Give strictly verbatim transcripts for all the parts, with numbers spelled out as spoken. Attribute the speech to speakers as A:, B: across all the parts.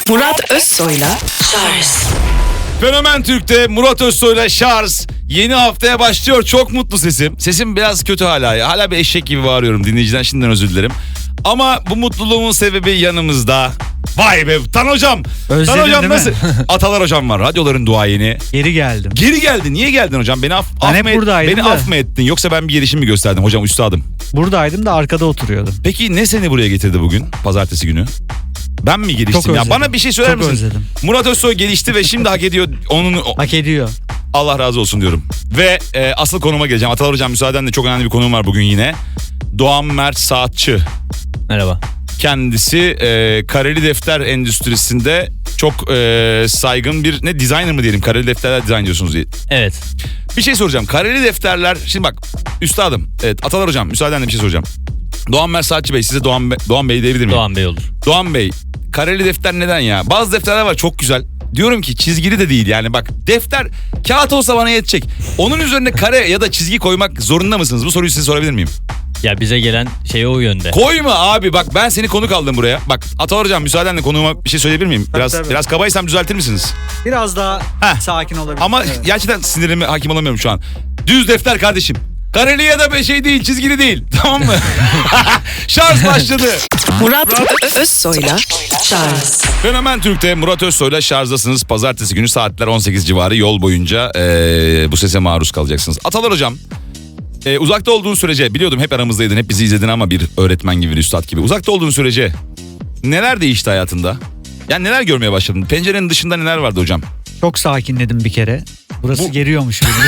A: Murat Özsoy'la Şarj.
B: Fenomen Türk'te Murat Özsoy'la Şarj yeni haftaya başlıyor. Çok mutlu sesim. Sesim biraz kötü hala ya. Hala bir eşek gibi bağırıyorum. Dinleyiciden şimdiden özür dilerim. Ama bu mutluluğumun sebebi yanımızda. Vay be Tan hocam.
C: Özledin
B: Tan hocam
C: değil mi?
B: nasıl? Atalar hocam var. Radyoların duayeni.
C: Geri geldim.
B: Geri geldi. Niye geldin hocam? Beni af,
C: Ben
B: af
C: hep
B: mı et-
C: buradaydım
B: Beni
C: da.
B: af mı ettin? Yoksa ben bir gelişim mi gösterdim hocam üstadım?
C: Buradaydım da arkada oturuyordum.
B: Peki ne seni buraya getirdi bugün? Pazartesi günü. Ben mi geliştim
C: Çok
B: ya?
C: özledim.
B: Bana bir şey söyler
C: Çok
B: misin?
C: özledim.
B: Murat Özsoy gelişti ve şimdi hak ediyor onun.
C: Hak ediyor.
B: Allah razı olsun diyorum. Ve e, asıl konuma geleceğim. Atalar hocam müsaadenle çok önemli bir konum var bugün yine. Doğan Mert Saatçı.
D: Merhaba.
B: Kendisi e, kareli defter endüstrisinde çok e, saygın bir ne designer mı diyelim? Kareli defterler dizayn diyorsunuz diye.
D: Evet.
B: Bir şey soracağım. Kareli defterler şimdi bak üstadım. Evet Atalar hocam müsaadenle bir şey soracağım. Doğan Mert Saatçı Bey size Doğan, Be- Doğan Bey diyebilir miyim?
D: Doğan Bey olur.
B: Doğan Bey kareli defter neden ya? Bazı defterler var çok güzel. Diyorum ki çizgili de değil yani bak defter kağıt olsa bana yetecek. Onun üzerine kare ya da çizgi koymak zorunda mısınız? Bu soruyu size sorabilir miyim?
D: Ya bize gelen şey o yönde.
B: Koyma abi bak ben seni konuk aldım buraya. Bak Atalar hocam müsaadenle konuğuma bir şey söyleyebilir miyim? Biraz
C: tabii.
B: biraz kabaysam düzeltir misiniz?
C: Biraz daha
B: Heh.
C: sakin olabilir.
B: Ama
C: Evet.
B: gerçekten sinirime hakim olamıyorum şu an. Düz defter kardeşim. Kareli ya da bir şey değil, çizgili değil. Tamam mı? Şarj başladı.
A: Murat Özsoy'la Şarj.
B: Fenomen Türk'te Murat Özsoy'la şarjdasınız. Pazartesi günü saatler on sekiz civarı yol boyunca ee, bu sese maruz kalacaksınız. Atalar hocam, ee, uzakta olduğun sürece biliyordum hep aramızdaydın, hep bizi izledin ama bir öğretmen gibi, bir üstad gibi. Uzakta olduğun sürece neler değişti hayatında? Yani neler görmeye başladın? Pencerenin dışında neler vardı hocam?
C: Çok sakinledim bir kere. Burası
B: Bu-
C: geriyormuş beni.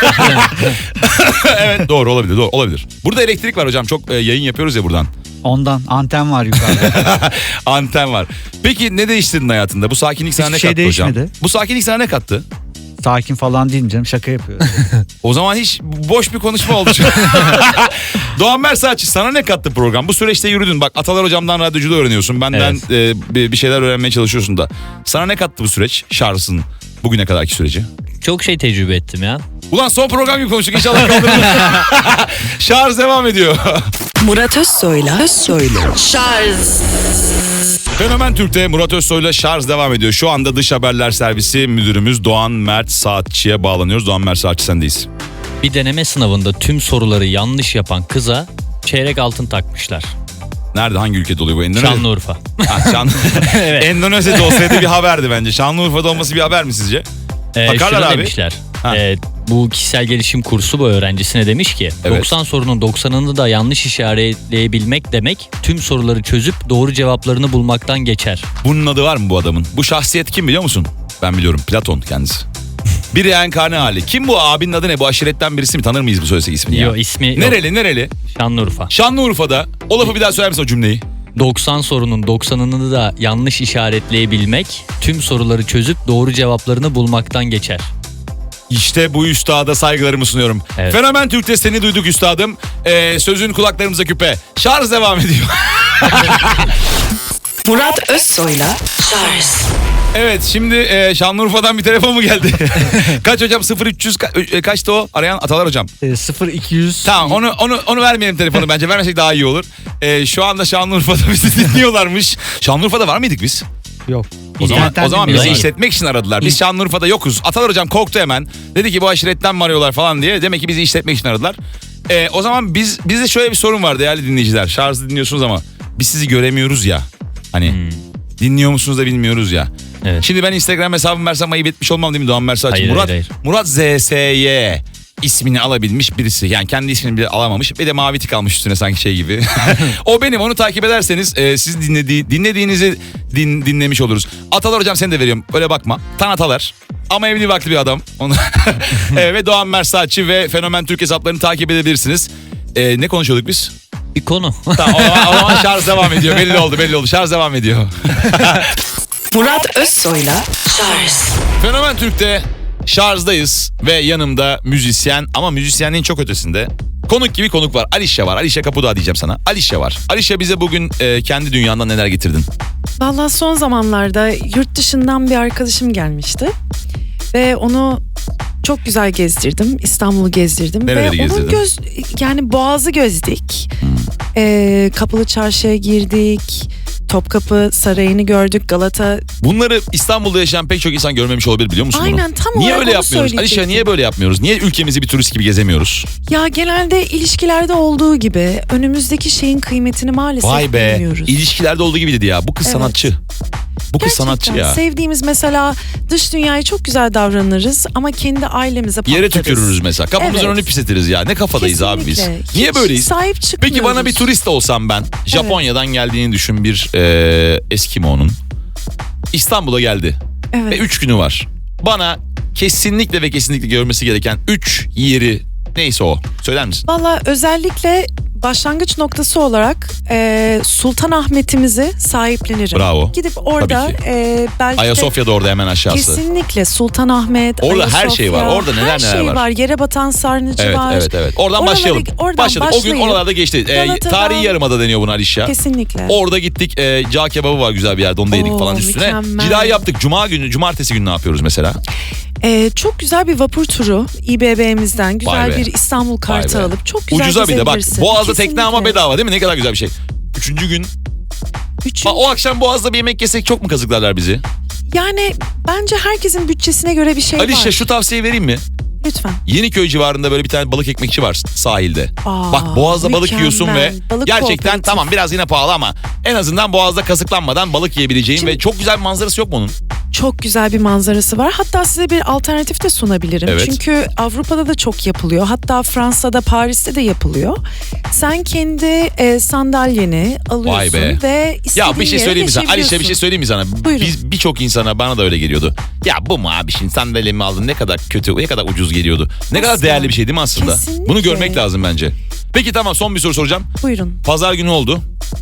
B: Evet doğru olabilir, doğru olabilir. Burada elektrik var hocam, çok ee, yayın yapıyoruz ya buradan.
C: Ondan anten var yukarıda.
B: Anten var. Peki ne değiştirdin hayatında? Bu sakinlik sana
C: Hiçbir
B: ne
C: şey
B: kattı hocam?
C: değişmedi.
B: Bu sakinlik sana ne kattı?
C: Sakin falan değilim canım, şaka yapıyorum.
B: O zaman hiç boş bir konuşma oldu. Doğan Mert Saatçı sana ne kattı program? Bu süreçte yürüdün. Bak Atalar hocamdan radyoculuğu öğreniyorsun. Benden
D: Evet.
B: e, bir bir şeyler öğrenmeye çalışıyorsun da. Sana ne kattı bu süreç? Şarjın bugüne kadarki süreci.
D: Çok şey tecrübe ettim ya.
B: Ulan son program gibi konuştuk. İnşallah kaldırırız. Şarj devam ediyor.
A: Murat Özsoy'la Özsoy'la Şarj.
B: Fenomen Türk'te Murat Özsoy'la şarj devam ediyor. Şu anda dış haberler servisi müdürümüz Doğan Mert Saatçı'ya bağlanıyoruz. Doğan Mert Saatçı sendeyiz.
D: Bir deneme sınavında tüm soruları yanlış yapan kıza çeyrek altın takmışlar.
B: Nerede, hangi ülkede oluyor bu? Endonezya.
D: Şanlıurfa.
B: Ha, Şan...
D: Evet.
B: Endonezya'da olsaydı bir haberdi bence. Şanlıurfa'da olması bir haber mi sizce?
D: Ee,
B: Bakarlar
D: şunu
B: abi.
D: demişler.
B: Ha.
D: Ee, bu kişisel gelişim kursu bu öğrencisine demiş ki
B: Evet.
D: doksan sorunun doksanını da yanlış işaretleyebilmek demek tüm soruları çözüp doğru cevaplarını bulmaktan geçer.
B: Bunun adı var mı bu adamın? Bu şahsiyet kim biliyor musun? Ben biliyorum. Platon kendisi. Bir reenkarne hali. Kim bu abinin adı ne? Bu aşiretten birisi mi? Tanır mıyız bu söylesek ismini ya?
D: Yo, ismi yok.
B: Nereli nereli?
D: Şanlıurfa.
B: Şanlıurfa'da. O lafı bir daha söyler misin o cümleyi?
D: doksan sorunun doksanını da yanlış işaretleyebilmek tüm soruları çözüp doğru cevaplarını bulmaktan geçer.
B: İşte bu üstada saygılarımı sunuyorum.
D: Evet.
B: Fenomen Türk'te seni duyduk üstadım. Ee, sözün kulaklarımıza küpe. Şarj devam ediyor.
A: Murat Özsoy'la Şarj.
B: Evet şimdi e, Şanlıurfa'dan bir telefon mu geldi? Kaç hocam? sıfır üç yüz ka- e, kaçtı o? Arayan Atalar hocam.
C: e, sıfır iki yüz.
B: Tamam onu onu onu vermeyelim telefonu bence. Vermesek daha iyi olur. Ee, şu anda Şanlıurfa'da bizi dinliyorlarmış. Şanlıurfa'da var mıydık biz?
C: Yok.
B: O zaman,
C: İnternetten
B: o zaman
C: dinliyorum.
B: bizi işletmek için aradılar. Biz Şanlıurfa'da yokuz. Atalar hocam korktu hemen. Dedi ki bu aşiretten mi arıyorlar falan diye. Demek ki bizi işletmek için aradılar. Ee, o zaman biz bizde şöyle bir sorun var değerli dinleyiciler. Şarjı dinliyorsunuz ama biz sizi göremiyoruz ya. Hani dinliyor musunuz da bilmiyoruz ya.
D: Evet.
B: Şimdi ben Instagram hesabımı versem ayıp etmiş olmam değil mi Doğan Mersaç?
D: Hayır,
B: Murat,
D: hayır,
B: Murat Z S Y ismini alabilmiş birisi. Yani kendi ismini bile alamamış. Bir de mavi tik almış üstüne sanki şey gibi. O benim, onu takip ederseniz e, siz dinlediği, dinlediğinizi din, dinlemiş oluruz. Atalar hocam seni de veriyorum. Öyle bakma. Tan Atalar. Ama evli vakti bir adam. Onu e, ve Doğan Mersaççı ve Fenomen Türk hesaplarını takip edebilirsiniz. E, ne konuşuyorduk biz?
D: Bir konu.
B: Tamam, o zaman, o zaman şarj devam ediyor. Belli oldu belli oldu. Şarj devam ediyor.
A: Murat Özsoy'la Şarj.
B: Fenomen Türk'te şarjdayız ve yanımda müzisyen ama müzisyenliğin çok ötesinde konuk gibi konuk var. Alişe var. Alişe Kapudağ diyeceğim sana. Alişe var. Alişe bize bugün e, kendi dünyandan neler getirdin?
E: Vallahi son zamanlarda yurt dışından bir arkadaşım gelmişti. Ve onu çok güzel gezdirdim. İstanbul'u gezdirdim.
B: Nereleri
E: Ve
B: gezdirdin?
E: onun göz, yani Boğaz'ı gezdik. Ee, Kapalı Çarşı'ya girdik. Topkapı Sarayı'nı gördük. Galata.
B: Bunları İstanbul'da yaşayan pek çok insan görmemiş olabilir, biliyor musun bunu?
E: Aynen, tam
B: Niye
E: olarak
B: öyle
E: onu
B: yapmıyoruz? Alişa,
E: söyleyecektim.
B: niye böyle yapmıyoruz? Niye ülkemizi bir turist gibi gezemiyoruz?
E: Ya genelde ilişkilerde olduğu gibi önümüzdeki şeyin kıymetini maalesef
B: Vay be.
E: bilmiyoruz.
B: İlişkilerde olduğu gibi dedi ya. Bu kız
E: Evet.
B: sanatçı. Bu kız
E: Gerçekten
B: sanatçı ya.
E: sevdiğimiz mesela dış dünyaya çok güzel davranırız ama kendi ailemize patlarız.
B: Yere tükürürüz mesela. Kapımızın
E: Evet.
B: önünü pisletiriz ya. Ne kafadayız abi biz?
E: Kesinlikle.
B: Niye
E: Hiç
B: böyleyiz?
E: sahip çıkmıyoruz.
B: Peki bana bir turist olsam ben. Japonya'dan geldiğini düşün bir e, Eskimo'nun. İstanbul'a geldi.
E: Evet.
B: Ve üç günü var. Bana kesinlikle ve kesinlikle görmesi gereken üç yeri neyse o. Söyler misin?
E: Valla özellikle başlangıç noktası olarak e, Sultanahmet'imizi sahiplenirim.
B: Bravo.
E: Gidip orada
B: Tabii ki.
E: e, belki de
B: Ayasofya'da orada hemen aşağısı.
E: kesinlikle Sultanahmet,
B: Orada her
E: Ayasofya,
B: şey var. Orada neler
E: her
B: neler
E: şey
B: var.
E: var. Yere batan sarnıcı
B: Evet,
E: var.
B: evet, evet. Oradan
E: Oralara-
B: başlayalım.
E: oradan
B: Başladık. O gün
E: başlayıp
B: oralarda geçti. Ee,
E: Galata'dan-
B: tarihi Yarımada deniyor buna Alişya.
E: Kesinlikle.
B: Orada gittik. E, cağ kebabı var güzel bir yerde. Onu da yedik
E: Oo,
B: falan üstüne.
E: mükemmel.
B: Cilayı yaptık. Cuma günü, cumartesi günü ne yapıyoruz mesela?
E: E, çok güzel bir vapur turu İ B B'mizden
B: Vay
E: güzel
B: be.
E: bir İstanbul kartı
B: Vay be.
E: alıp çok güzel
B: Ucuza bir de bak.
E: gezebilirsin.
B: Boğaz'da tekne ama
E: Kesinlikle.
B: bedava değil mi? Ne kadar güzel bir şey. Üçüncü gün.
E: Üçün-
B: Bak, o akşam Boğaz'da bir yemek yesek çok mu kazıklarlar bizi?
E: Yani bence herkesin bütçesine göre bir şey
B: Alişya
E: var.
B: şu tavsiyeyi vereyim mi?
E: Lütfen.
B: Yeniköy civarında böyle bir tane balık ekmekçi var sahilde.
E: Aa,
B: Bak Boğaz'da balık
E: mükemmel.
B: yiyorsun ve
E: Balık
B: gerçekten
E: kooperatif.
B: tamam biraz yine pahalı ama en azından Boğaz'da kasıklanmadan balık yiyebileceğin
E: Şimdi-
B: ve çok güzel bir manzarası yok mu onun?
E: Çok güzel bir manzarası var. Hatta size bir alternatif de sunabilirim.
B: Evet.
E: Çünkü Avrupa'da da çok yapılıyor. Hatta Fransa'da, Paris'te de yapılıyor. Sen kendi e, sandalyeni alıyorsun
B: Vay be.
E: ve istediğin
B: Ya bir şey
E: yere
B: söyleyeyim mi sana? Alişya bir
E: geçebiliyorsun.
B: şey söyleyeyim mi sana?
E: Buyurun.
B: Biz birçok insana bana da öyle geliyordu. Ya bu mu abi şimdi sandalyemi aldın ne kadar kötü, ne kadar ucuz geliyordu. Ne kadar
E: Asla.
B: değerli bir şey değil mi aslında?
E: Kesinlikle.
B: Bunu görmek lazım bence. Peki tamam, son bir soru soracağım.
E: Buyurun.
B: Pazar günü oldu.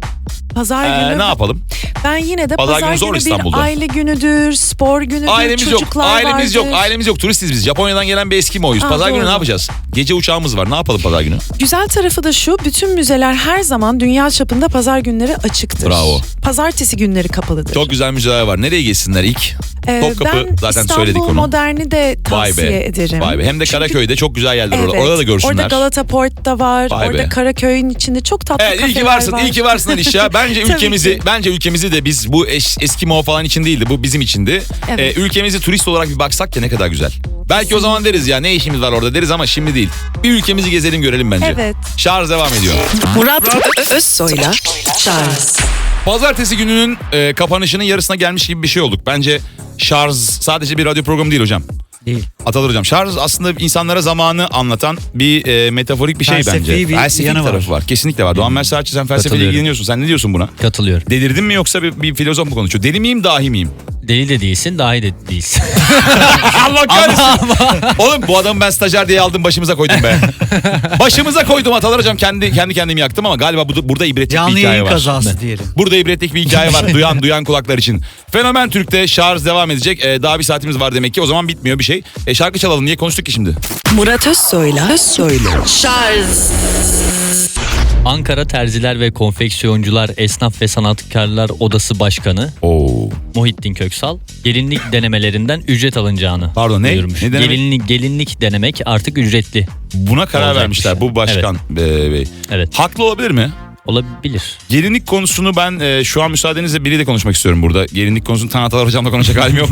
E: Pazar
B: Ee,
E: günü
B: ne yapalım?
E: ben yine de
B: Pazar
E: pazar,
B: günü zor
E: günü
B: İstanbul'da.
E: bir aile günüdür, spor günüdür,
B: Ailemiz yok.
E: çocuklar
B: Ailemiz yok.
E: vardır.
B: Ailemiz yok. Turistiz biz. Japonya'dan gelen bir Eskimo'yuz.
E: Aa,
B: Pazar günü
E: doğru.
B: ne yapacağız? Gece uçağımız var. Ne yapalım pazar günü?
E: Güzel tarafı da şu, bütün müzeler her zaman dünya çapında pazar günleri açıktır.
B: Bravo.
E: Pazartesi günleri kapalıdır.
B: Çok güzel müzeler var. Nereye geçsinler ilk?
E: Ee,
B: Topkapı
E: ben
B: zaten
E: İstanbul
B: söyledik onu.
E: Modern'i de
B: Vay
E: tavsiye
B: be.
E: ederim.
B: Vay be. Hem de
E: Çünkü-
B: Karaköy'de çok güzel yerler
E: Evet,
B: orada. Orada da görsünler.
E: Orada Galata Port'ta var.
B: Vay
E: orada
B: be.
E: Karaköy'ün içinde çok tatlı
B: Evet, iyi
E: kafeler
B: ki varsın.
E: var.
B: İyi ki varsın Alişya. Bence
E: Tabii
B: ülkemizi
E: ki.
B: bence ülkemizi de biz bu eş, Eskimo falan için değildi. Bu bizim içindi.
E: Evet.
B: Ee, ülkemizi turist olarak bir baksak ya ne kadar güzel. Belki o zaman deriz ya ne işimiz var orada deriz ama şimdi değil. Bir ülkemizi gezelim görelim bence.
E: Evet.
B: Şarj devam ediyor.
A: Murat Ö- Özsoy'la Charles
B: Pazartesi gününün e, kapanışının yarısına gelmiş gibi bir şey olduk. Bence şarj sadece bir radyo programı değil hocam.
C: Değil.
B: Atalar hocam, şarj aslında insanlara zamanı anlatan bir e, metaforik bir şey
C: Felsefi
B: bence.
C: bir
B: Felsefi
C: yanı
B: tarafı var.
C: var.
B: Kesinlikle var. Doğan Mersaatçı, sen felsefeyle
D: Katılıyorum.
B: ilgileniyorsun. Sen ne diyorsun buna?
D: Katılıyorum.
B: Delirdin mi yoksa bir, bir filozof mu konuşuyor? Deli miyim, dahi miyim?
D: Deli de değilsin, dahi de değilsin.
B: Allah kahretsin. Oğlum bu adamı ben stajyer diye aldım, başımıza koydum be. Başımıza koydum Atalar hocam. Kendi kendi kendimi yaktım ama galiba bu, burada ibretlik bir
C: Canlı
B: hikaye
C: yayın
B: var.
C: kazası diyelim.
B: Burada ibretlik bir hikaye var. Duyan duyan kulaklar için. Fenomen Türk'te şarj devam edecek. Ee, daha bir saatimiz var demek ki. O zaman bitmiyor bir şey. E, şarkı çalalım. Niye konuştuk ki şimdi?
A: Murat Özsoy'la Özsoy'la Charles
D: Ankara Terziler ve Konfeksiyoncular Esnaf ve Sanatkarlar Odası Başkanı
B: Oo.
D: Muhittin Köksal gelinlik denemelerinden ücret alınacağını
B: Pardon, ne?
D: duyurmuş.
B: Ne denemek?
D: Gelinlik, gelinlik denemek artık ücretli
B: Buna karar
D: Olacak
B: vermişler
D: bir şey.
B: bu başkan e, bey.
D: Evet.
B: Haklı olabilir mi?
D: olabilir.
B: Gelinlik konusunu ben e, şu an müsaadenizle biriyle konuşmak istiyorum burada. Gelinlik konusunu Tan Atalar hocamla konuşacak halim yok.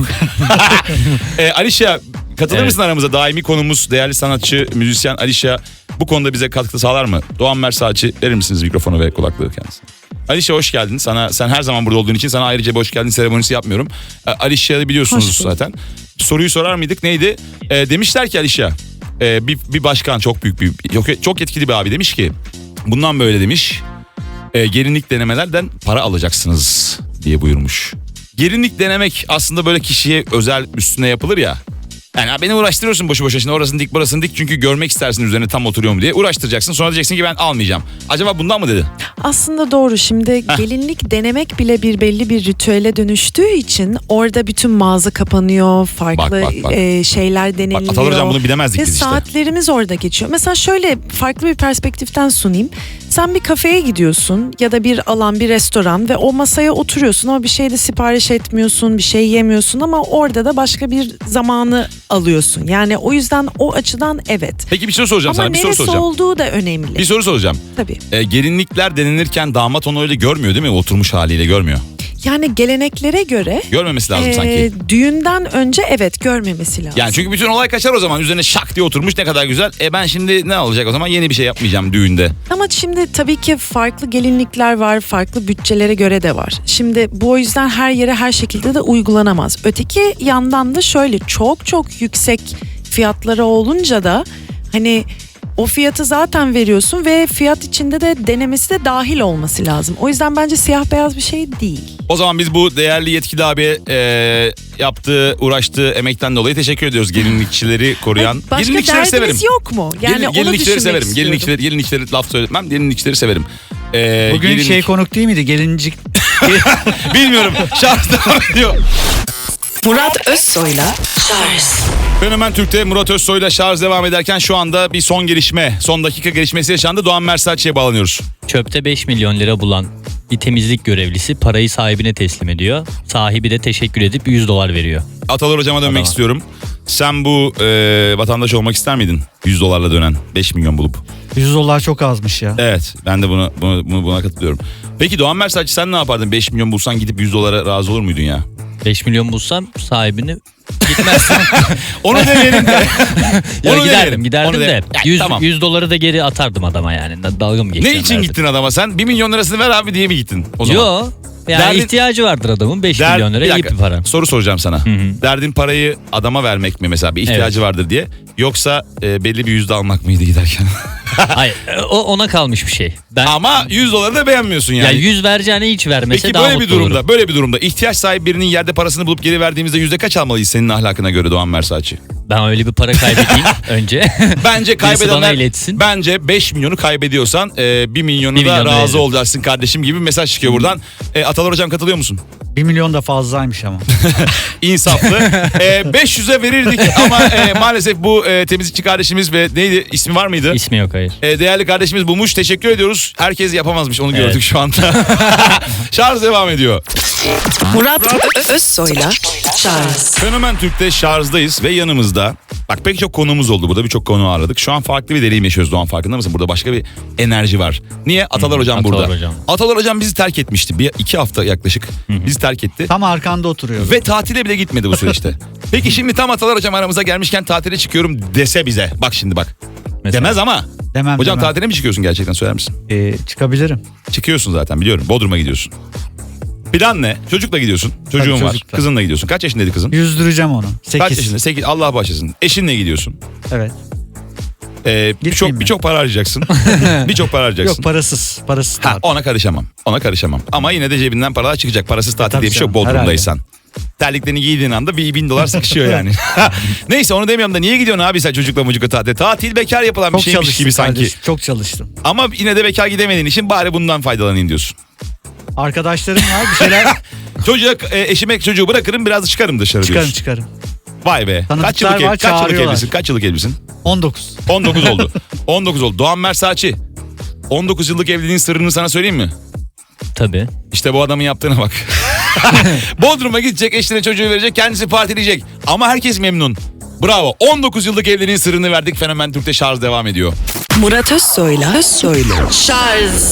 B: e, Alişya katılır
D: Evet.
B: mısın aramıza? Daimi konumuz değerli sanatçı, müzisyen Alişya bu konuda bize katkı sağlar mı? Doğan Mersaatçı, verir misiniz mikrofonu ve kulaklığı kendisine? Alişya hoş geldin. Sana sen her zaman burada olduğun için sana ayrıca bir hoş geldin seremonisi yapmıyorum. E, Alişya'yı biliyorsunuz
E: Hoş bulduk.
B: zaten. Soruyu sorar mıydık? Neydi? E, demişler ki Alişya, e, bir, bir başkan çok büyük bir yok, çok etkili bir abi demiş ki bundan böyle demiş. E, gelinlik denemelerden para alacaksınız diye buyurmuş. Gelinlik denemek aslında böyle kişiye özel üstüne yapılır ya. Yani beni uğraştırıyorsun boşu boşuna şimdi orasını dik burasını dik çünkü görmek istersin üzerine tam oturuyor mu diye uğraştıracaksın. Sonra diyeceksin ki ben almayacağım. Acaba bundan mı dedi?
E: Aslında doğru. Şimdi gelinlik denemek bile bir belli bir ritüele dönüştüğü için orada bütün mağaza kapanıyor. Farklı
B: Bak, bak, bak.
E: e, şeyler deniliyor.
B: Bak Atalar hocam bunu bilemezdik
E: Ve
B: biz işte.
E: saatlerimiz orada geçiyor. Mesela şöyle farklı bir perspektiften sunayım. Sen bir kafeye gidiyorsun ya da bir alan, bir restoran ve o masaya oturuyorsun ama bir şey de sipariş etmiyorsun, bir şey yemiyorsun ama orada da başka bir zamanı alıyorsun. Yani o yüzden o açıdan evet.
B: Peki bir soru soracağım
E: Ama
B: sana. Bir soru
E: neresi
B: soracağım.
E: olduğu da önemli.
B: Bir soru soracağım.
E: Tabii.
B: E, gelinlikler denenirken damat onu öyle görmüyor değil mi? Oturmuş haliyle görmüyor.
E: Yani geleneklere göre
B: Görmemesi lazım
E: e,
B: sanki.
E: düğünden önce evet görmemesi lazım.
B: Yani çünkü bütün olay kaçar o zaman. Üzerine şak diye oturmuş, ne kadar güzel. E ben şimdi ne olacak o zaman? Yeni bir şey yapmayacağım düğünde.
E: Ama şimdi tabii ki farklı gelinlikler var, farklı bütçelere göre de var. Şimdi bu o yüzden her yere her şekilde de uygulanamaz. Öteki yandan da şöyle çok çok yüksek fiyatları olunca da hani o fiyatı zaten veriyorsun ve fiyat içinde de denemesi de dahil olması lazım. O yüzden bence siyah beyaz bir şey değil.
B: O zaman biz bu değerli yetkili abiye e, yaptığı, uğraştığı emekten dolayı teşekkür ediyoruz. Gelinlikçileri koruyan.
E: Başka
B: Gelinlikçileri
E: derdiniz
B: severim.
E: yok mu? Yani
B: Gelin,
E: onu
B: gelinlikçileri
E: düşünmek
B: severim.
E: istiyorum.
B: Gelinlikçileri, gelinlikçileri laf söyletmem. Gelinlikçileri severim. E,
C: Bugün
B: gelinlik-
C: şey konuk değil miydi? Gelincik.
B: Bilmiyorum. Şarj devam ediyor.
A: Murat Özsoy'la Charles
B: Fenomen Türk'te Murat Özsoy'la şarj devam ederken şu anda bir son gelişme, son dakika gelişmesi yaşandı. Doğan Mersaç'e bağlanıyoruz.
D: Çöpte beş milyon lira bulan bir temizlik görevlisi parayı sahibine teslim ediyor. Sahibi de teşekkür edip yüz dolar veriyor.
B: Atalar hocama dönmek
D: Adama.
B: istiyorum. Sen bu e, vatandaş olmak ister miydin? yüz dolarla dönen beş milyon bulup.
C: yüz dolar çok azmış ya.
B: Evet, ben de buna, buna, buna, buna katılıyorum. Peki Doğan Mersaç sen ne yapardın? beş milyon bulsan gidip yüz dolara razı olur muydun ya?
D: beş milyon bulsam sahibini gitmezsin.
B: Onu deneyelim de.
D: Ya
B: Onu
D: giderdim
B: deneyelim.
D: giderdim
B: Onu
D: de
B: deneyelim. Ya,
D: yüz,
B: tamam.
D: yüz doları da geri atardım adama yani. Dalga mı
B: Ne
D: geçeceğim
B: için
D: derdim.
B: gittin adama sen? bir milyon lirasını ver abi diye mi gittin o zaman?
D: Yo. Yani
B: Derdin-
D: ihtiyacı vardır adamın beş
B: Der-
D: milyon lira
B: bir
D: iyi
B: dakika,
D: bir para.
B: soru soracağım sana.
D: hı.
B: Derdin parayı adama vermek mi mesela, bir ihtiyacı
D: Evet.
B: vardır diye, yoksa e, belli bir yüzde almak mıydı giderken?
D: Hayır o ona kalmış bir şey. Ben
B: Ama yüz doları da beğenmiyorsun yani.
D: ya yüz vereceğine hiç vermese
B: Peki
D: daha
B: böyle bir
D: mutlu
B: durumda,
D: olurum.
B: böyle bir durumda ihtiyaç sahibi birinin yerde parasını bulup geri verdiğimizde yüzde kaç almalıyız senin ahlakına göre Doğan Mersaç'ı?
D: Ben öyle bir para kaybedeyim önce.
B: Bence
D: Birisi bana
B: kaybedenler,
D: iletsin.
B: bence beş milyonu kaybediyorsan e, bir milyonu
D: Bir
B: da
D: milyon
B: razı
D: veririm.
B: olacaksın kardeşim gibi bir mesaj çıkıyor buradan. E, Atalar hocam katılıyor musun?
C: Bir milyon da fazlaymış ama.
B: İnsaflı. e, beş yüze verirdik ama e, maalesef bu e, temizlikçi kardeşimiz ve neydi, ismi var mıydı?
D: İsmi yok hayır.
B: E, değerli kardeşimiz bulmuş. Teşekkür ediyoruz. Herkes yapamazmış, onu
D: Evet.
B: gördük şu anda. Şarj devam ediyor.
A: Murat Ö- Özsoy'la Charles
B: Fenomen Türk'te şarjdayız ve yanımızda bak pek çok konumuz oldu. Burada birçok konu ağırladık. Şu an farklı bir deneyim yaşıyoruz Doğan, farkında mısın? Burada başka bir enerji var. Niye? Atalar
D: Hı,
B: hocam
D: Atalar
B: burada.
D: hocam.
B: Atalar hocam bizi terk etmişti. Bir iki hafta yaklaşık bizi terk etti.
C: Tam arkanda oturuyorum.
B: Ve tatile bile gitmedi bu süreçte. Peki şimdi tam Atalar hocam aramıza gelmişken tatile çıkıyorum dese bize. Bak şimdi bak.
D: Mesela.
B: Demez ama.
C: Demem
B: Hocam
C: demem.
B: tatile mi çıkıyorsun gerçekten, söyler misin?
C: Ee, çıkabilirim.
B: Çıkıyorsun zaten biliyorum. Bodrum'a gidiyorsun. Plan ne? Çocukla gidiyorsun. Çocuğun
C: Tabii,
B: var.
C: çocukla.
B: Kızınla gidiyorsun. Kaç yaşındaydı kızın?
C: Yüzdüreceğim onu.
B: Kaç
C: sekiz.
B: yaşında? sekiz. Allah bağışlasın. Eşinle gidiyorsun.
C: Evet.
B: Ee, birçok
C: mi?
B: birçok para harcayacaksın. birçok para harcayacaksın.
C: Yok parasız. Parasız
B: Ha,
C: tatil.
B: ona karışamam. Ona karışamam. Ama yine de cebinden paralar çıkacak. Parasız tatil
C: tabii
B: diye bir şey yok
C: canım,
B: Bodrum'daysan. Terliklerini giydiğin anda bir bin dolar sıkışıyor yani. Neyse onu demiyorum da niye gidiyorsun abi sen çocukla mucukla tatile? Tatil bekar yapılan bir
C: Çok
B: şeymiş
C: çalıştım
B: gibi sanki.
C: kardeşim, çok çalıştım.
B: Ama yine de bekar gidemediğin için bari bundan faydalanayım diyorsun.
C: Arkadaşlarım var bir şeyler
B: Çocuğa, e, eşime çocuğu bırakırım biraz da çıkarım dışarı
C: çıkarım
B: diyorsun.
C: çıkarım.
B: Vay be.
C: Tanıdıklar
B: Kaç yıllık, ev,
C: var,
B: kaç yıllık
C: çağırıyorlar.
B: evlisin? Kaç yıllık evlisin?
C: on dokuz.
B: on dokuz oldu. on dokuz oldu. Doğan Mersaç'ı. on dokuz yıllık evliliğin sırrını sana söyleyeyim mi?
D: Tabii.
B: İşte bu adamın yaptığına bak. Bodrum'a gidecek, eşine çocuğu verecek, kendisi partileyecek. Ama herkes memnun. Bravo. on dokuz yıllık evliliğin sırrını verdik. Fenomen Türk'te şarj devam ediyor.
A: Murat Özsoy'la Özsoy'la Charles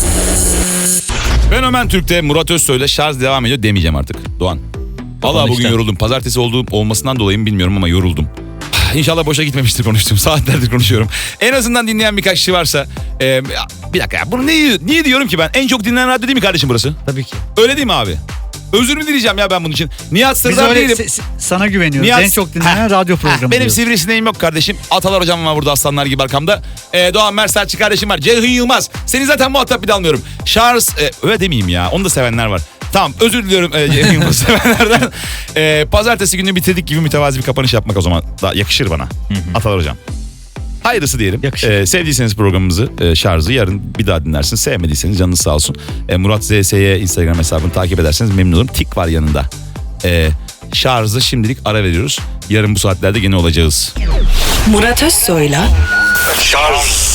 B: Fenomen Türk'te Murat Özsoy'la şarj devam ediyor demeyeceğim artık. Doğan. Vallahi bugün
D: işte.
B: yoruldum. Pazartesi olduğum olmasından dolayı mı bilmiyorum ama yoruldum. İnşallah boşa gitmemiştir konuştuğum. Saatlerdir konuşuyorum. En azından dinleyen birkaç kişi varsa. E, bir dakika ya. Bunu niye, niye diyorum ki ben? En çok dinlenen radyo değil mi kardeşim burası?
C: Tabii ki.
B: Öyle değil mi abi? Özür mü dileyeceğim ya ben bunun için? Nihat
C: Biz
B: Sırdar
C: öyle
B: değilim.
C: se- se- sana güveniyoruz.
B: Nihat-
C: En çok dinlenen
B: Ha,
C: radyo
B: ha,
C: programı.
B: Benim
C: diyoruz.
B: sivrisineğim yok kardeşim. Atalar hocam var burada aslanlar gibi arkamda. Ee, Doğan Mersaççı kardeşim var. Ceyhun Yılmaz. Seni zaten muhatap bile almıyorum. Charles e, öyle demeyeyim ya. Onu da sevenler var. Tamam özür diliyorum e, Ceyhun Yılmaz sevenlerden. E, pazartesi günü bitirdik gibi mütevazi bir kapanış yapmak o zaman da yakışır bana. Atalar hocam. Hayırlısı diyelim.
C: Yakışır.
B: Ee, sevdiyseniz programımızı, e, şarjı yarın bir daha dinlersiniz. Sevmediyseniz canınız sağ olsun. E, Murat Z S Y Instagram hesabını takip ederseniz memnun olurum. Tik var yanında. E, şarjı şimdilik ara veriyoruz. Yarın bu saatlerde gene olacağız.
A: Murat Özsoy'la
B: Şarj.